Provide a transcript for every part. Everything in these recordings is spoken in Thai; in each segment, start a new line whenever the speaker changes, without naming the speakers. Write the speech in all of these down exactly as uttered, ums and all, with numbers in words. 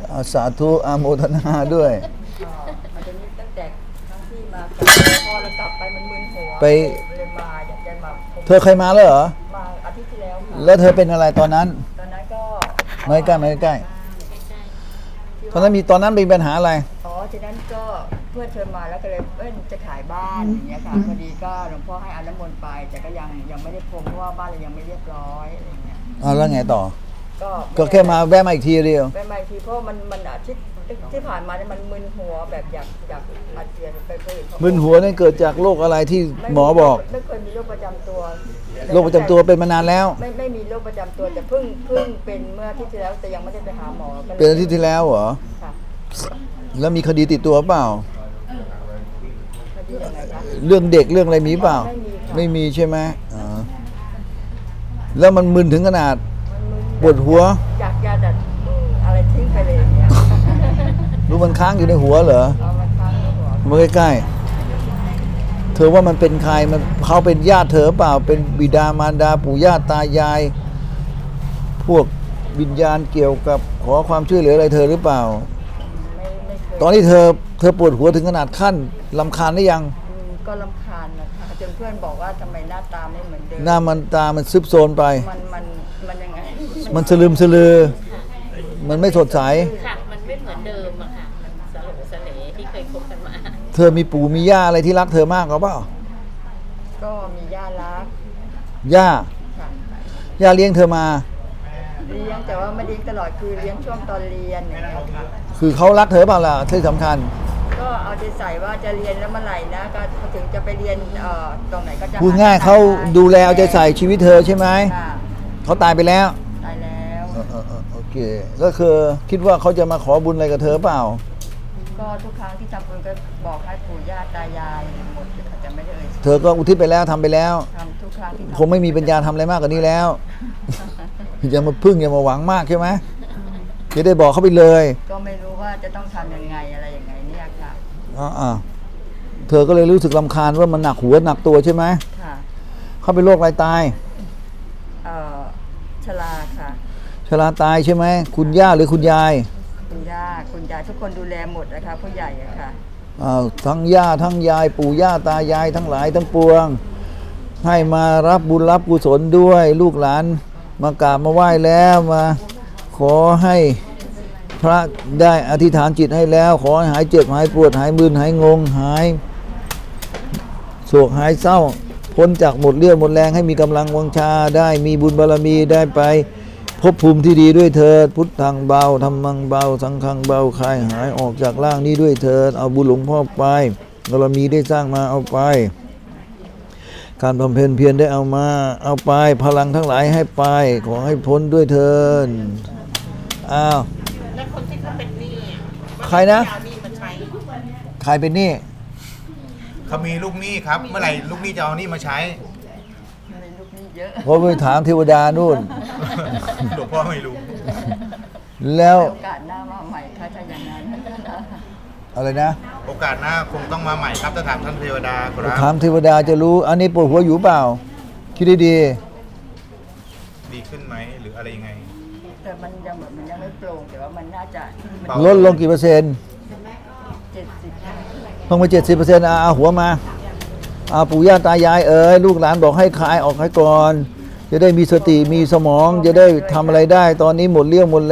อาสาธุอาโมทนาด้วย
มันจะมีตั้งแต่ครั้งที่มาพอเรากลับไปมันมึนหัว
ไป
เลยมาอยากจะมา
เธอเคยมาแล้วเหรอ
มาอาทิตย์ที่แล้วค่ะ
แล้วเธอเป็นอะไรตอนนั้น
ตอนนั้นก็
ไม่ใกล้ไม่ใกล้ตอนนั้นมีตอนนั้นมีปัญหาอะไร
อ๋อจากนั้นก็เพื่อนเชิญมาแล้วก็เลยเอ้ยจะขายบ้านอย่างเงี้ยค่ะพอดีก็หลวงพ่อให้อาน้ำมนต์ไป แต่ก็ยังยังไม่ได้พรมเพราะว่าบ้านเรายังไม่เรียบร้อยอะไรเงี้ย
อ่าแล้วไงต่อ
ก็
ก็แค่มาแวะมาอีกทีเดียว
ไปมาอีกทีเพราะมันมันอาทิตย์ที่ผ่านมาเนี่ยมันมึนหัวแบบอยากอยากอาเจียนไปเคยเห็นเขา
มึนหัวนั่นเกิดจากโรคอะไรที่หมอบอก
ไม่เคยมีโรคประจำตัว
โรคประจำตัวเป็นมานานแล้ว
ไม่ไม่มีโรคประจำตัวแต่เพิ่งเพิ่งเป็นเมื่ออาที่ที่แล้วแต่ยังไม่ได้ไปหาหมอก็ลย
เป็นอาทิตย์ที่แล้วเหรอ
ค่ะ
แล้วมีคดีติดตัวเปล่า
คดียังไงคะ
เรื่องเด็กเรื่องอะไรมีเปล่า
ไม่มีค่ะ
ไม่มีใช่ไหมอ่าแล้วมันมึนถึงขนาด
มันมึน
ปวดหัว
อยากจะดัดอืมอะไรทิ้งไปเลยอย่างเงี้ย
รู้มันค้างอยู่ในหัวเหรอ
เอามาค้างในหัว
มาใกล้ๆเธอว่ามันเป็นใครมันเขาเป็นญาติเธอเปล่า เป็นบิดามารดาปู่ย่าตายาย พวกวิญญาณเกี่ยวกับขอความช่วยเหลืออะไรเธอหรือเปล่า
ไม่ไม่เคย
ตอนนี้เธอเธอปวดหัวถึงขนาดขั้นลำคาญหรือยัง
อืมก็รำคาญนะคะจนเพื่อนบอกว่าทำไมหน้าตาไม่เหมือนเดิม
หน้ามันตามันซึบโซนไป
มันมันมันยังไง
มันสลืมสลือ มันไม่สดใส
ค่ะ มันไม่เหมือนเดิมอะค่ะ มันสลบสเลที่เคยคบกันมา
เธอมีปู่มีย่าอะไรที่รักเธอมากหรือเปล่า
ก็มีย่ารัก
ย่า
ค่ะ
ย่าเลี้ยงเธอมา
เลี้ยงแต่ว่าไม่เลี้ยงตลอดคือเลี้ยงช่วงตอนเรียนอย่างเงี้ยค่ะ
คือเขารักเธอเปล่าล่ะที่สำคัญ
ก็เอาใจใส่ว่าจะเรียนแล้วเมื่อไหร่นะก็ถึงจะไปเรียนเอ่อตรงไหนก็จะ
พูดง่ายเขาดูแลเอาใจใส่ชีวิตเธอใช่ไหม
ค่ะ
เขาตายไปแล้ว
ตายแล้ว
เออเออเออโอเคก็คือคิดว่าเขาจะมาขอบุญอะไรกับเธอเปล่า
ก็ทุกครั้งที่ทำบุญก็บอกให้ปู่ย่าตายายหมดเลยค่ะจะไม่ได้เอ่ย
เธอก็อุทิศไปแล้วทำไปแล้ว
ทำทุกครั้งที่ทำ
คงไม่มีปัญญาทำอะไรมากกว่านี้แล้ว อย่ามาพึ่งอย่ามาหวังมากใช่ไหมจะได้บอกเขาไปเลย
ก็ไม่รู้ว่าจะต้องทำยังไงอะไรยังไงเนี่ยค่ะ
อ่าอ่าเธอก็เลยรู้สึกรำคาญว่ามันหนักหัวหนักตัวใช่ไหม
ค่ะ
เขาเป็นโรคอะไรตาย
เอ่อชราค่ะ
ชราตายใช่ไหมคุณย่าหรือคุณยาย
คุณย่าคุณยายทุกคนดูแลหมดนะคะผู้ใหญ่อะค่ะ
อ่าทั้งย่าทั้งยาย ปู่ย่าตายายทั้งหลายทั้งปวง ให้มารับบุญรับกุศลด้วย ลูกหลานมากราบมาไหว้แล้วมาขอให้พระได้อธิษฐานจิตให้แล้ว ขอให้หายเจ็บหายปวดหายมึนหายงงหายโศกหายเศร้า พ้นจากหมดเรี่ยวหมดแรงให้มีกำลังวังชาได้มีบุญบารมีได้ไปภพภูมิที่ดีด้วยเถิดพุทธังเบาธรรมังเบาสังฆังเบาคลายหายออกจากร่างนี้ด้วยเถิดเอาบุญหลวงพ่อไปบารมีได้สร้างมาเอาไป การบำเพ็ญเพียรได้เอามาเอาไปพลังทั้งหลายให้ไปขอให้พ้นด้วยเถิดอ้าว
แล้วคนที่เขาเป็นหนี้อะ
ใครนะ
เอาหนี้มาใช้
ใครเป็นหนี้
เขามีลูกหนี้ครับ เมื่อไหร่ลูกหนี้จะเอาหนี้มาใช้
มีลูกหนี้เยอะ
เพราะไปถามเทวดานู่น
หลวงพ่อไม่รู้
แล้ว
โอกาสหน้ามาใหม่ค่ะถ้าอย่างนั้น
อะไรนะ
โอกาสหน้าคงต้องมาใหม่ครับถ้าถามท่านเทวดาครับ
ถามเทวดาจะรู้ อันนี้ปวดหัวอยู่เปล่าคิดดี
ดีขึ้นไหมหรืออะไรยังไง
แต่มันยังแบบมันยังไม่โปร่งแต่ว่ามันน่าจะ
เบา
ๆลดลงกี่เปอร์เซ็นต์
เจ็ดสิบ
ลงไปเจ็ดสิบเปอร์เซ็นต์เอาหัวมาเอาปู่ย่าตายายเอ๋ยลูกหลานบอกให้คลายออกให้ก่อน จะได้มีสติมีสมองจะได้ทำอะไรได้ ตอนนี้หมดเรี่ยวหมดแรง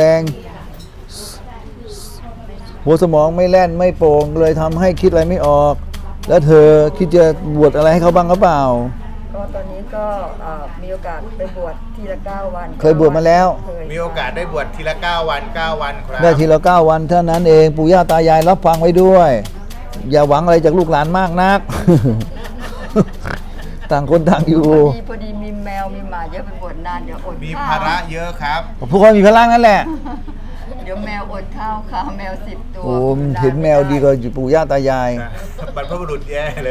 หัวสมองไม่แล่นไม่โปร่งเลยทำให้คิดอะไรไม่ออก แล้วเธอคิดจะบวชอะไรให้เขาบ้างหรือเปล่า
ก็ตอนนี้ก็เอ่อมีโอกาสไปบวชทีละเก้าวัน
เคยบวชมาแล้ว
เคย
มีโอกาสได้บวชทีละเก้าวันเก้าวันครับ
ได้ทีละเก้าวันเท่านั้นเองปู่ย่าตายายรับฟังไว้ด้วย อย่าหวังอะไรจากลูกหลานมากนัก ต่างคนต่างอยู่
พอดีพอดีมีแมวมีหมาเยอะไปบวชนานเดี๋ยวอด
มี
ข้าว
ภาระเยอะครับ
พวกเขามีพลังนั่นแหละ
เดี๋ยวแมวอดข้าวค่ะแมวสิบตัว
โอ้มเห็นแมวดีกว่าปู่ย่าตายาย
นะบรรพบุรุษแย่เลย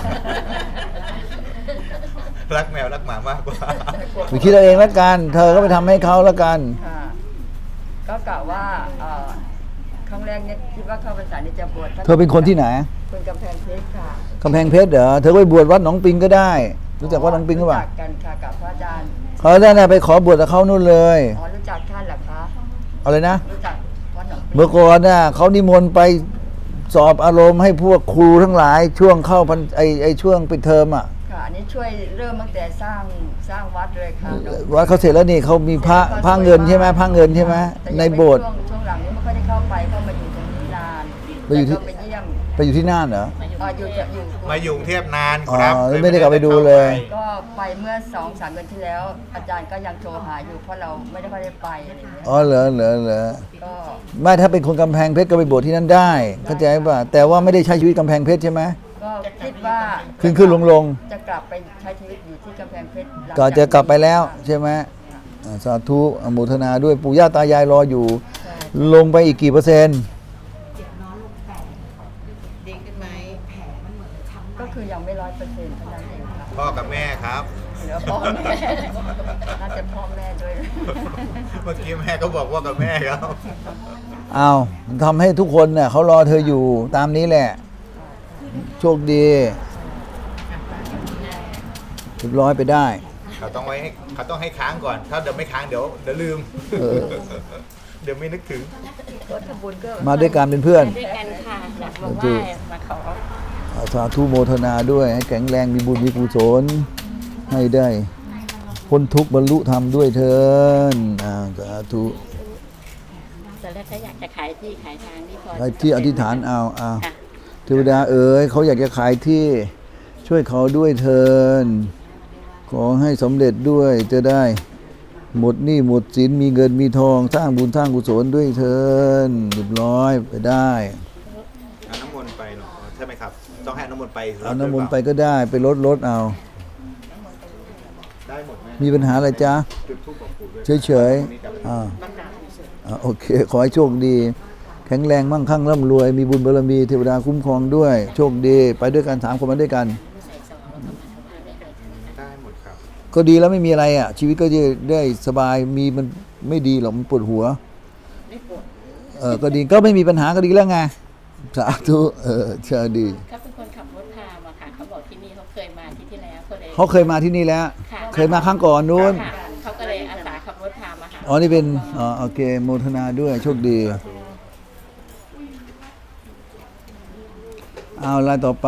รักแมวรักหมามากกว่า
ไปคิดเอาเองแล้วกัน เธอก็ไปทำให้เขาแล้วกัน
ค่ะก็กะว่าเอ่อครั้งแรกเนี่ยคิดว่าเข้าพรรษานี่จะบวช
เธอเป็นคนที่ไหน
คนกำแพงเพชรค่ะ
กำแพงเพชรเหรอ เธอก็ไปบวชวัดหนองปิงก็ได้ รู้จักวัดหนองปิงหรือเปล่า
รู้จักกันค่ะกับพระอาจารย์
เขาได้ไปขอบวชกับเขานู่นเลย
อ๋อรู้จักท่านเหรอคะ
เอาเลยนะ
รู้จักวัดหนองปิง
เมื่อก่อนน่ะเขานิมนต์ไปสอบอารมณ์ให้พวกครูทั้งหลายช่วงเข้าพันไอไอช่วงปิดเทอมอ่ะ
ค่ะอันนี้ช่วยเริ่มตั้งแต่สร้างสร้างวัดเลยค่ะหลวง
วัดเขาเสร็จแล้วนี่เขามีพระพระเงินใช่ไหมพระเงินใช่ไหม
แต่ยัง
ใน
ไม่
โบสถ์
ช่วงช่วงหลังนี้ไม่ค่อยได้เข้าไปเข้ามาอยู่ตรงนี้นาน
ไปอยู่ที่
แต่ก็ไปเยี่ยม
ไปอยู่ที่น่านเหรอ
มาอยู่
อ่าอยู่จะอยู่
มาอยู่กรุงเทพนาน
อ๋อ
ครับ
ไม่ได้กลับไปดูเลย
ก็ไปเมื่อสองสามเดือนที่แล้ว อาจารย์ก็ยังโทรหาอยู่เพราะเราไม่ได้ค่อยได้ไปอะไรอย่างเงี้ย
อ๋อเหรอเหรอเหรอ
ก็
ไม่ถ้าเป็นคนกำแพงเพชรก็ไปบวชที่นั่นได้เข้าใจป่ะแต่ว่าไม่ได้ใช้ชีวิตกำแพงเพชรใช่ไหม
ก็คิดว่า
ขึ้นขึ้นลงลง
จะกลับไปใช้ชีวิตอยู่ที่กำแพงเพชรหลัง
ก็จะกลับไปแล้วใช่ไหมอ่าสาธุอนุโมทนาด้วยปู่ย่าตายายรออยู่
ใช่
ลงไปอีกกี่เปอร์เซ็นต์
ดีขึ้นไหม
ก็คือยังไม่ร้อยเปอร์เซ็นต์เท่านั้นเองค่ะ
พ่อกับแม่ครับ
เหลือพ่อแม่ น่าจะพ่อแม่ด้วย
เมื่อกี้แม่ก็บอกว่ากับแม่ครับ
เอาทำให้ทุกคนเนี่ยเขารอเธออยู่ตามนี้แหละ โชคดีเรียบร้อยไปได้
เขาต้องไว้ให้เขาต้องให้ค้างก่อน ถ้าเดี๋ยวไม่ค้างเดี๋ยวเดี๋ยวลืม
เออ
เดี๋ยวไม่นึกถึง
รถทำบุญก็
มาด้วยกันเป็นเพื่อน
ด้วยกันค่ะอยากมาไหว้มาขอ
อาสาธุโมทนาด้วย ให้แข็งแรงมีบุญมีกุศลให้ได้พ้นทุกข์บรรลุธรรมด้วยเถินอ่าสาธุ
ตอนแรกก็อยากจะขายที่ขายทางที่พอ
ให้ที่อธิษฐานเอาเอา
ค่ะ
เทวดาเอ๋ยเขาอยากจะขายที่ช่วยเขาด้วยเถินขอให้สำเร็จด้วยจะได้ หมดหนี้หมดสินมีเงินมีทองสร้างบุญสร้างกุศลด้วยเถินเรียบร้อยไปได้
เอาน้ำมนต์ไปเหรอใช่ไหมครับ ต้องให้น้ำมนต์ไป
เอาน้ำมนต์ไปก็ได้ไปลดลดเอา
ได้หมดไหม
มีปัญหาอะไรจ๊ะ
จุดทูปบอกปู่ด้วย
เฉยๆอ่าอ่าโอเค ขอให้โชคดี แข็งแรงมั่งคั่งร่ำรวย มีบุญบารมีเทวดาคุ้มครองด้วย โชคดี ไปด้วยกันสามคนมาด้วยกัน
ได้หมดครับ
ก็ดีแล้วไม่มีอะไรอ่ะ ชีวิตก็จะได้สบายมีมันไม่ดีหรอกมันปวดหัว
ไม่ปวด
เออก็ดีก็ไม่มีปัญหาก็ดีแล้วไงสาธุเออเชื่อดี
เขาเป็นคนขับรถพามาค่ะเขาบอกที่นี่เขาเคยมาที่ที่แล้วเขาเลย
เขาเคยมาที่นี่แล้ว
ค่ะ
เคยมาครั้งก่อนนู้น
ค่ะเขาก็เลยอาสาขับรถพามาหา
อ๋อนี่เป็นอ๋อโอเคโมทนาด้วยโชคดีเอาลายต่อไป